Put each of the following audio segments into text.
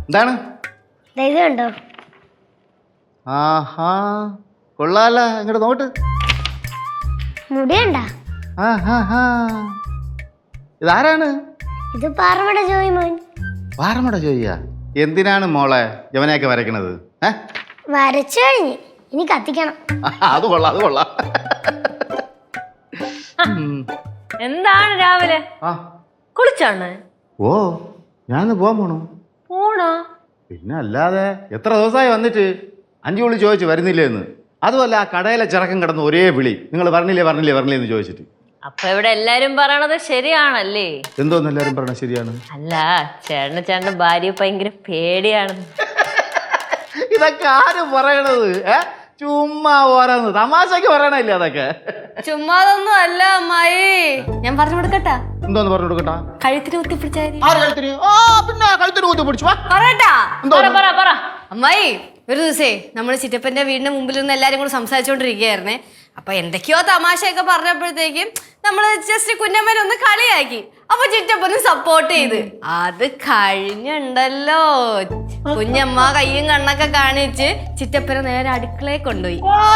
എന്താണ്? ഇത് കണ്ടോ? ആഹാ കൊള്ളാല, ഇങ്ങോട്ട് നോട്ട്. മുടിയണ്ട. ഇതാരാണ്? ഇത് പാറമട ജോയി മോൻ. പാറമട ജോയിയാ? എന്തിനാണ് മോളെ യവനെയൊക്കെ വരയ്ക്കണത്? വരച്ചു കഴിഞ്ഞ് ഇനി കത്തിക്കണം. അത് കൊള്ളാം, അത് കൊള്ളാം. എന്താണ് രാവിലെ കുളിച്ചാണ്? ഓ, ഞാനിന്ന് പോവാൻ പോണോ? പിന്നെ അല്ലാതെ എത്ര ദിവസമായി വന്നിട്ട് 5 വിളി ചോദിച്ചു വരുന്നില്ലേ എന്ന്. അതുമല്ല ആ കടയിലെ ചിറക്കം കിടന്ന് ഒരേ വിളി, നിങ്ങൾ പറഞ്ഞില്ലേ എന്ന് ചോദിച്ചിട്ട്. അപ്പൊ ഇവിടെ എല്ലാരും പറയണത് ശരിയാണല്ലേ? എന്തോന്ന് എല്ലാരും പറഞ്ഞ ശരിയാണ്? അല്ല, ചേട്ടന്റെ ഭാര്യ ഭയങ്കര പേടിയാണ്. ഇതൊക്കെ ആരും പറയണത്? ചുമ്മാ ഓരോന്ന് തമാശക്ക് പറയണല്ലേ അതൊക്കെ? ചുമ്മാതൊന്നും അല്ല അമ്മായി, ഞാൻ പറഞ്ഞു കൊടുക്കട്ടാ. എന്തോന്ന് പറഞ്ഞു കൊടുക്കട്ടാ? കഴുത്തിന് കുത്തിപ്പിടിച്ചാ പിന്നെ കഴുത്തിന് കുത്തി പിടിച്ചു അമ്മായി. ഒരു ദിവസേ നമ്മള് ചിറ്റപ്പന്റെ വീടിന്റെ മുമ്പിൽ നിന്ന് എല്ലാരും കൂടെ സംസാരിച്ചോണ്ടിരിക്കുകയായിരുന്നേ. അപ്പൊ എന്തൊക്കെയോ തമാശയൊക്കെ പറഞ്ഞപ്പോഴത്തേക്കും നമ്മള് ജസ്റ്റ് കുഞ്ഞമ്മനെ ഒന്ന് കളിയാക്കി. അപ്പൊ ചിറ്റപ്പനും സപ്പോർട്ട് ചെയ്ത്. അത് കഴിഞ്ഞുണ്ടല്ലോ, കുഞ്ഞമ്മ കയ്യും കണ്ണൊക്കെ കാണിച്ച് ചിറ്റപ്പനെ നേരെ അടുക്കളയെ കൊണ്ടുപോയി.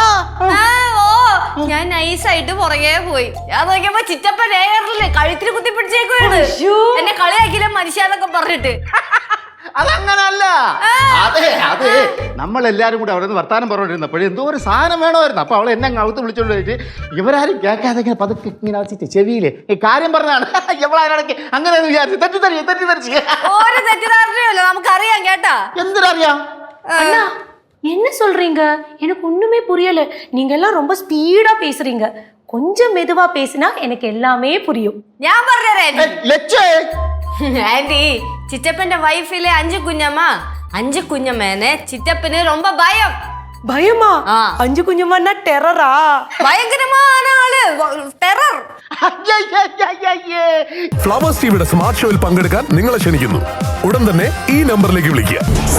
ഞാൻ നൈസായിട്ട് പുറകെ പോയി. ഞാൻ നോക്കിയപ്പോ ചിറ്റപ്പൻ നേരില്ലേ കഴുത്തിന് കുത്തി പിടിച്ചേക്കുവാണ്. എന്നെ കളിയാക്കിയില്ല മനുഷ്യന്നൊക്കെ പറഞ്ഞിട്ട്. അതങ്ങനല്ല. അതെ നമ്മളെല്ലാരും കൂടി അവിടെ നിന്ന് വർത്താനം പറഞ്ഞോണ്ടിരുന്നപ്പോഴേ എന്തോ ഒരു സാധനം വേണമായിരുന്നു. അപ്പൊ അവളെ എന്നെ അകത്ത് വിളിച്ചോണ്ട് പോയിട്ട് ഇവരാരും കേൾക്കാതെ ഇങ്ങനെ പതുക്കെ ഇങ്ങനെ വെച്ചിട്ട് ചെവിയിലെ ഈ കാര്യം പറഞ്ഞാണ്. ഇവളാരടക്ക് അങ്ങനെ വിചാരിച്ചു തെറ്റിദ്ധരിച്ച്. ഒരു തെറ്റിദ്ധാരണയല്ലോ, നമുക്കറിയാം കേട്ടാ. എന്തിനറിയാം? அண்ணா என்ன சொல்றீங்க? எனக்கு ஒண்ணுமே புரியல. நீங்க எல்லாம் ரொம்ப ஸ்பீடா பேசுறீங்க. கொஞ்சம் மெதுவா பேசினா எனக்கு எல்லாமே புரியும். ഞാൻ പറഞ്ഞുതരാം ആന്റി. ചിറ്റപ്പന്റെ വൈഫിലെ 5 കുഞ്ഞമ്മ, 5 കുഞ്ഞമ്മേനെ ചിറ്റപ്പന് ரொம்ப ഭയം. பயமா? 5 குஞ்சம்னா டெரரா? ഭയങ്കരமான ആള്, ടെറർ. ഫ്ലവേഴ്സ് ടിവിയുടെ സ്മാർട്ട് ഷോയിൽ പങ്കെടുക്കാൻ നിങ്ങളെ ക്ഷണിക്കുന്നു. ഉടൻ തന്നെ ഈ നമ്പറിലേക്ക് വിളിക്കുക.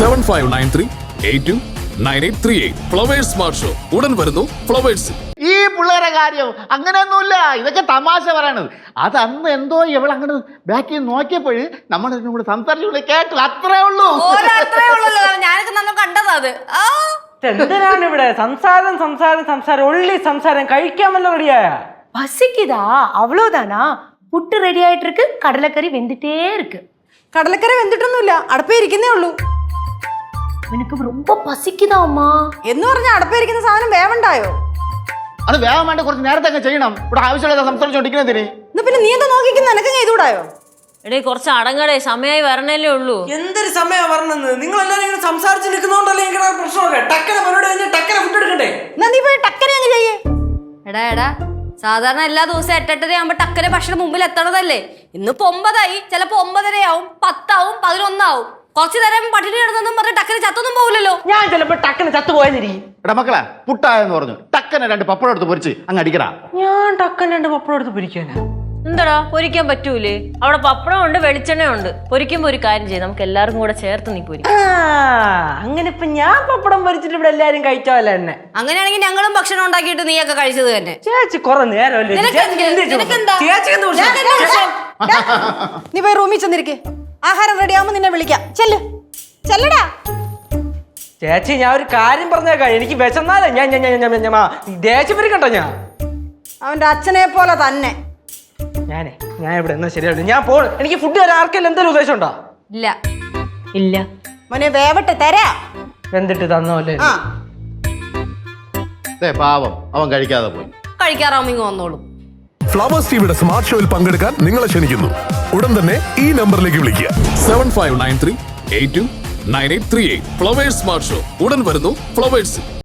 7593829838. ഫ്ലവേഴ്സ് സ്മാർട്ട് ഷോ ഉടൻ വരുന്നു ഫ്ലവേഴ്സ്. ഈ പിള്ളേരെ കാര്യം അങ്ങനെയൊന്നുമില്ല, ഇതൊക്കെ തമാശ പറയണത്. അത് അന്ന് എന്തോ ഇവളങ്ങനെ ബാക്കിൽ നോക്കിയപ്പോഴ് നമ്മൾ കൂടെ സംസാരിച്ചു കേട്ടു, അത്രേ ഉള്ളൂ. ഞാനൊക്കെ നമ്മൾ കണ്ടത് അത്. എന്തിനാണ് ഇവിടെ സംസാരം ഉള്ളി സംസാരം? കഴിക്കാൻ വല്ല റെഡിയായ? பசிக்குதா? அவ்வளவுதானா? புட்டு ரெடி ஆயிட்டு இருக்கு, கடலைக்கறி வெந்துட்டே இருக்கு. കടലക്കറി വെന്തിട്ടൊന്നുമില്ല, അടുപ്പേ ഇരിക്കുന്നേ ഉള്ളൂ. எனக்கு ரொம்ப பசிக்குதா அம்மா? എന്ന് പറഞ്ഞ അടുപ്പേ ഇരിക്കുന്ന സാധനം വേവണ്ടായോ? അത് വേഗം വേണ്ട, കുറച്ച് നേരത്തെ അങ്ങ് ചെയ്യണം. ഇവിടെ ആവശ്യമുള്ള സംസാരിച്ചോണ്ടിരിക്കുന്നതിന് പിന്നെ നീ എന്താ നോക്കിക്കുന്ന? എനക്ക് ചെയ്തുകൂടായോ? എടേ കുറച്ച് അടങ്ങടേ, സമയമായി വരണല്ലേ ഉള്ളൂ. എന്തൊരു സമയം പറഞ്ഞത്? നിങ്ങൾ എല്ലാരും ഇങ്ങനെ സംസാരിച്ച് നിൽക്കുന്നോണ്ടല്ലേ ഇങ്ങനെ പ്രശ്നമൊക്കെ. ടക്കന പരിപാടി കഴിഞ്ഞ് ടക്കന ഫുഡ് എടുക്കണ്ടേ? എന്നാ നീ പോയി ടക്കനെ അങ്ങ് ചെയ്യേ. എടാ സാധാരണ എല്ലാ ദിവസവും 8:30 ആകുമ്പോ ടക്കനെ ഭക്ഷണം മുമ്പിൽ എത്തണതല്ലേ? ഇന്നിപ്പോ 9 ആയി, ചിലപ്പോ 9:30 ആവും, 10 ആവും, 11 ആവും. കുറച്ചു നേരം പട്ടിണി കിടന്നെന്നും പറഞ്ഞ് ടക്കന് ചത്തൊന്നും പോകില്ലല്ലോ. ഞാൻ ചിലപ്പോ ടക്കന ചത്തുപോയെന്നിരിക്കും. എടാ മക്കളെ, പുട്ടായെന്ന് പറഞ്ഞു ടക്കനെ 2 പപ്പടം എടുത്ത് പൊരിച്ച് അങ്ങ് അടിക്കടാ. ഞാൻ ടക്കൻ 2 പപ്പടം എടുത്ത് പൊരിക്കാനാ? എന്താടാ പൊരിക്കാൻ പറ്റൂലേ? അവിടെ പപ്പടം ഉണ്ട്, വെളിച്ചെണ്ണ ഉണ്ട്. പൊരിക്കുമ്പോ ഒരു കാര്യം ചെയ്യും, നമുക്ക് എല്ലാവർക്കും കൂടെ ചേർത്ത് നീ പൊരിക്കും. അങ്ങനെ ഇപ്പൊ ഞാൻ പപ്പടം പൊരിച്ചിട്ട് ഇവിടെ എല്ലാരും കഴിച്ചാവല്ല എന്നെ. അങ്ങനെയാണെങ്കിൽ ഞങ്ങളും ഭക്ഷണം ഉണ്ടാക്കിയിട്ട് നീയൊക്കെ കഴിച്ചത് തന്നെ. ചേച്ചി കൊറേ നേരം നീ പോയി റൂമിൽ ചെന്നിരിക്കെ. ആഹാരം റെഡി ആവുമ്പോ നിന്നെ വിളിക്കാം. ചെല്ലടാ. ചേച്ചി ഞാൻ ഒരു കാര്യം പറഞ്ഞേക്കാം. എനിക്ക് വിശന്നാലേ ഞാൻ ദേഷ്യം വരിക്കട്ടോ. ഞാൻ അവന്റെ അച്ഛനെ പോലെ തന്നെ. ഞാൻ ഇവിടെ എന്നാ ശരിയാവില്ല. ഞാൻ പോണു. എനിക്ക് ഫുഡ് തരാൻ ആർക്കെല്ലാം എന്തെങ്കിലും ഉദ്ദേശം ഉണ്ടോ? ഇല്ല മോനെ വേവട്ടെ, തരാ. വെന്തിട്ട് തന്നോല്ലേ? പാവം, അവൻ കഴിക്കാതെ പോയി. കഴിക്കാറാവുമ്പോ വന്നോളൂ. ഫ്ലവേഴ്സ് ടിവിയുടെ സ്മാർട്ട് ഷോയിൽ പങ്കെടുക്കാൻ നിങ്ങളെ ക്ഷണിക്കുന്നു. ഉടൻ തന്നെ ഈ നമ്പറിലേക്ക് വിളിക്കുക. 7593829838. ഫ്ലവേഴ്സ് സ്മാർട്ട് ഷോ ഉടൻ വരുന്നു ഫ്ലവേഴ്സ്.